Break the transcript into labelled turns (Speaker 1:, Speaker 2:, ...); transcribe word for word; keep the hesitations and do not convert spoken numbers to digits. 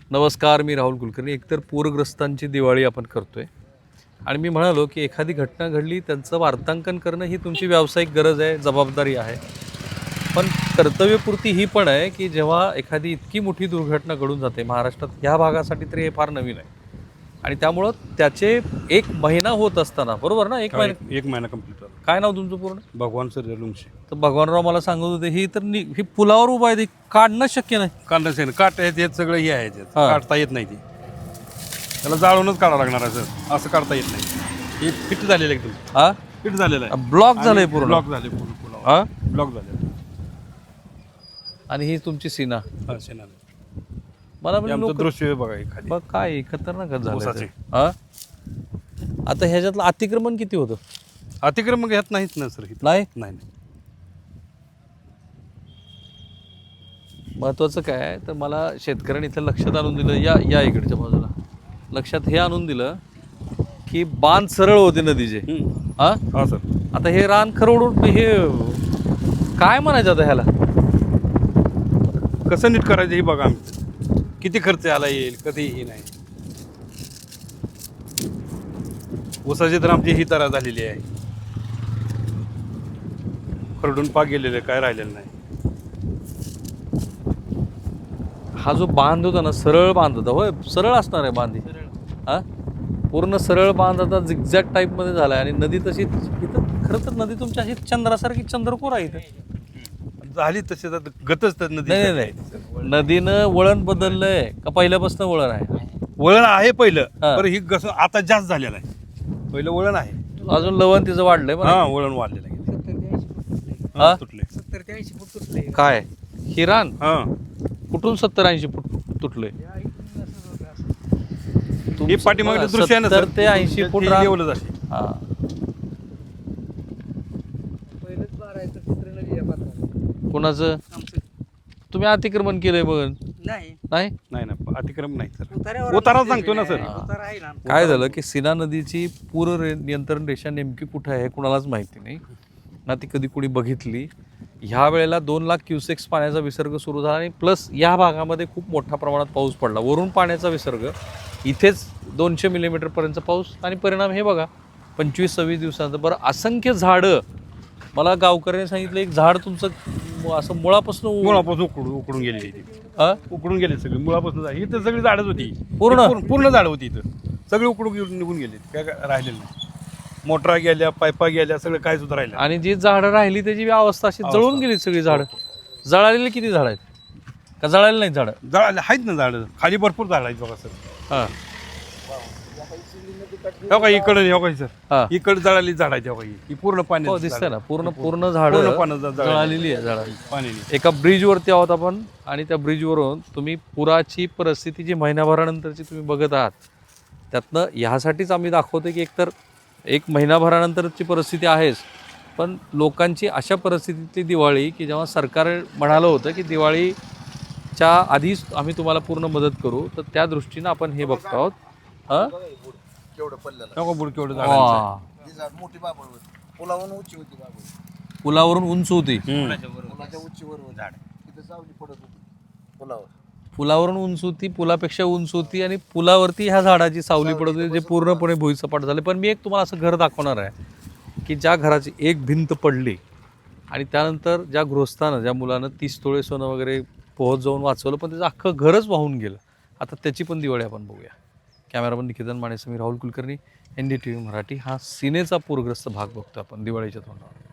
Speaker 1: नमस्कार, मी राहुल कुलकर्णी. एकतर पूरग्रस्तांची दिवाळी आपण करतोय आणि मी म्हणालो की एखादी घटना घडली त्यांचं वार्तांकन करणं ही तुमची व्यावसायिक गरज आहे, जबाबदारी आहे. पण कर्तव्यपूर्ती ही पण आहे की जेव्हा एखादी इतकी मोठी दुर्घटना घडून जाते महाराष्ट्रात, ह्या भागासाठी तरी हे फार नवीन आहे आणि त्यामुळं त्याचे एक महिना होत असताना, बरोबर ना, एक महिना
Speaker 2: एक महिना कंप्लीट झाला.
Speaker 1: काय नाव तुमचं पूर्ण?
Speaker 2: भगवान सूर्यवंशी.
Speaker 1: तर भगवानराव मला सांगत होते ही तर नि- ही पुलावर उभा आहे, ती काढणं शक्य नाही.
Speaker 2: काढणं आहे काट आहेत, हे सगळं हे आहे त्यात.
Speaker 1: हा.
Speaker 2: काढता येत नाही ती, त्याला जाळूनच काढावं लागणार आहे सर. असं काढता येत नाही. हे फिट झालेलं आहे एकदम,
Speaker 1: हा
Speaker 2: फिट झालेलं आहे.
Speaker 1: ब्लॉक झालंय पूर्ण.
Speaker 2: ब्लॉक झाले पूर्ण पुलावर.
Speaker 1: हा
Speaker 2: ब्लॉक झाले.
Speaker 1: आणि ही तुमची सीना.
Speaker 2: हा शेणाले.
Speaker 1: मला
Speaker 2: हे
Speaker 1: म्हणजे
Speaker 2: आमचं
Speaker 1: लोक
Speaker 2: दृश्य आहे बघा हे खाली.
Speaker 1: बघ काय खतरनाक झालं
Speaker 2: ऊसाचे.
Speaker 1: ते. हा आता ह्याच्यातलं अतिक्रमण किती होतं?
Speaker 2: अतिक्रमण घेत नाहीत ना सर. इथं
Speaker 1: नाही.
Speaker 2: नाही नाही.
Speaker 1: महत्वाचं काय आहे तर मला शेतकऱ्यांनी इथं लक्षात आणून दिलं, या या इकडच्या बाजूला लक्षात हे आणून दिलं की बांध सरळ होते नदीचे.
Speaker 2: हम्म.
Speaker 1: हा
Speaker 2: हा सर.
Speaker 1: आता हे रान खरवडून हे काय म्हणायचं आता ह्याला?
Speaker 2: कसं नीट करायचं हे बघा. आम्ही किती खर्च आला येईल कधीही नाही. ऊसाची तर आमची ही तरा झालेली आहे, खरडून पाक गेलेले, काय राहिलेलं नाही.
Speaker 1: हा जो बांध होता ना, सरळ बांध होता. होय, सरळ असणार आहे बांध. हा पूर्ण सरळ बांध आता झिगझॅग टाईप मध्ये झालाय आणि नदी तशी इथं खरं तर नदी तुमच्या अशी चंद्रासारखी चंद्रकोर आहे इथं.
Speaker 2: झाली तशी आता गतच तर नदी.
Speaker 1: नाही नाही नाही, नदीनं वळण बदललंय का पहिल्यापासून वळण आहे?
Speaker 2: वळण आहे पहिलं,
Speaker 1: हा.
Speaker 2: पण ही गस आता जास्त झालेलं आहे. पहिलं वळण आहे,
Speaker 1: अजून लवण तिचं वाढलंय
Speaker 2: हा
Speaker 1: बरं.
Speaker 2: वळण वाढलेलं आहे.
Speaker 1: हा?
Speaker 2: हा, तुटले.
Speaker 3: सत्तर ते ऐंशी फूट तुटले.
Speaker 1: काय हिरान
Speaker 2: हा,
Speaker 1: कुठून सत्तर ऐंशी फूट तुटले?
Speaker 2: हे पाठीमागचं दृश्य आहे ना सर,
Speaker 1: सत्तर ते ऐंशी फूट रान.
Speaker 2: लेवलच असे.
Speaker 1: हा
Speaker 3: पहिलंच बारायचं चित्र नदी आहे बाजूला.
Speaker 1: कोणाचं?
Speaker 3: आमचं
Speaker 1: तुम्ही अतिक्रमण केलंय बघ.
Speaker 3: नाही
Speaker 1: नाही
Speaker 2: नाही ना, अतिक्रम नाही सर.
Speaker 3: उतार्यावर
Speaker 2: उतारा सांगतो ना सर.
Speaker 3: उतारा आहे ना.
Speaker 1: काय झालं की सीना नदीची पूर रे- नियंत्रण रेषा नेमकी कुठं आहे हे कुणालाच माहिती नाही ना, ती कधी कुणी बघितली. ह्या वेळेला दोन लाख क्युसेक्स पाण्याचा विसर्ग सुरू झाला आणि प्लस या भागामध्ये खूप मोठ्या प्रमाणात पाऊस पडला. वरून पाण्याचा विसर्ग, इथेच दोनशे मिलीमीटरपर्यंतचा पाऊस आणि परिणाम हे बघा पंचवीस सव्वीस दिवसानंतर. बरं, असंख्य झाडं. मला गावकऱ्यांनी सांगितलं एक झाड तुमचं म- असं मुळापासून
Speaker 2: मुळापासून उकडून उकडून गेलेली ती.
Speaker 1: हा?
Speaker 2: उकडून गेले सगळी मुळापासून. झाली इथं सगळी झाडच होती
Speaker 1: पूर्ण?
Speaker 2: पूर्ण पूर्ण झाड होती इथं. सगळी उकडून गेली, निघून गेली, काय काय राहिलेलं नाही. मोटरा गेल्या, पायपा गेल्या, सगळं काय सुद्धा राहिलं.
Speaker 1: आणि जी झाडं राहिली त्याची अवस्था अशी
Speaker 2: अवस्था.
Speaker 1: जळून गेली सगळी झाडं. जळालेली किती झाड आहेत का जळालेली नाही झाडं?
Speaker 2: झाड आहेत ना झाडं, खाली भरपूर झाड आहेत बघा सर.
Speaker 1: हा
Speaker 2: हो का इकडं, हो का
Speaker 1: हा.
Speaker 2: सर, इकडे जळाली झाड आहेत. हो का ही पूर्ण पाणी
Speaker 1: हो दिसतंय ना, पूर्ण पूर्ण
Speaker 2: पूर्ण
Speaker 1: झाडं
Speaker 2: पाण्यात जळाली.
Speaker 1: जळालेली आहे झाडं.
Speaker 2: पाण्याने.
Speaker 1: एका ब्रिजवरती आहोत आपण आणि त्या ब्रिजवरून तुम्ही पुराची परिस्थिती जी महिनाभरानंतरची तुम्ही बघत आहात, त्यातनं ह्यासाठीच आम्ही दाखवतो की एकतर एक महिनाभरानंतरची परिस्थिती आहेच, पण लोकांची अशा परिस्थितीतली दिवाळी की जेव्हा सरकार म्हणालं होतं की दिवाळीच्या आधीच आम्ही तुम्हाला पूर्ण मदत करू, तर त्या दृष्टीनं आपण हे बघतो आहोत. हां
Speaker 3: केवढं पडलेलं
Speaker 2: हो का बुड केवढं झाड.
Speaker 1: वा.
Speaker 3: ती झाड मोठी बाबळ होती. पुलावरून उंची होती बाबळ.
Speaker 1: पुलावरून उंच होती.
Speaker 3: पुलाच्या उंचीवर होती झाड. तिथं सावली पडत होती पुलावर.
Speaker 1: पुलावरून उंच होती, पुलापेक्षा उंच होती आणि पुलावरती ह्या झाडाची सावली पडत होती, जे पूर्णपणे भुईसपाट झाले. पण मी एक तुम्हाला असं घर दाखवणार आहे की ज्या घराची एक भिंत पडली आणि त्यानंतर ज्या गृहस्थानं, ज्या मुलानं तीस तोळे सोनं वगैरे पोहोच जाऊन वाचवलं, पण त्याचं अख्खं घरच वाहून गेलं. आता त्याची पण दिवाळी आपण बघूया. कॅमेरामन निकेतन माने, मी Rahul Kulkarni, N D T V Marathi. हा सीनेचा पूरग्रस्त भाग बघतो आपण दिवाळीच्या तोंडावर.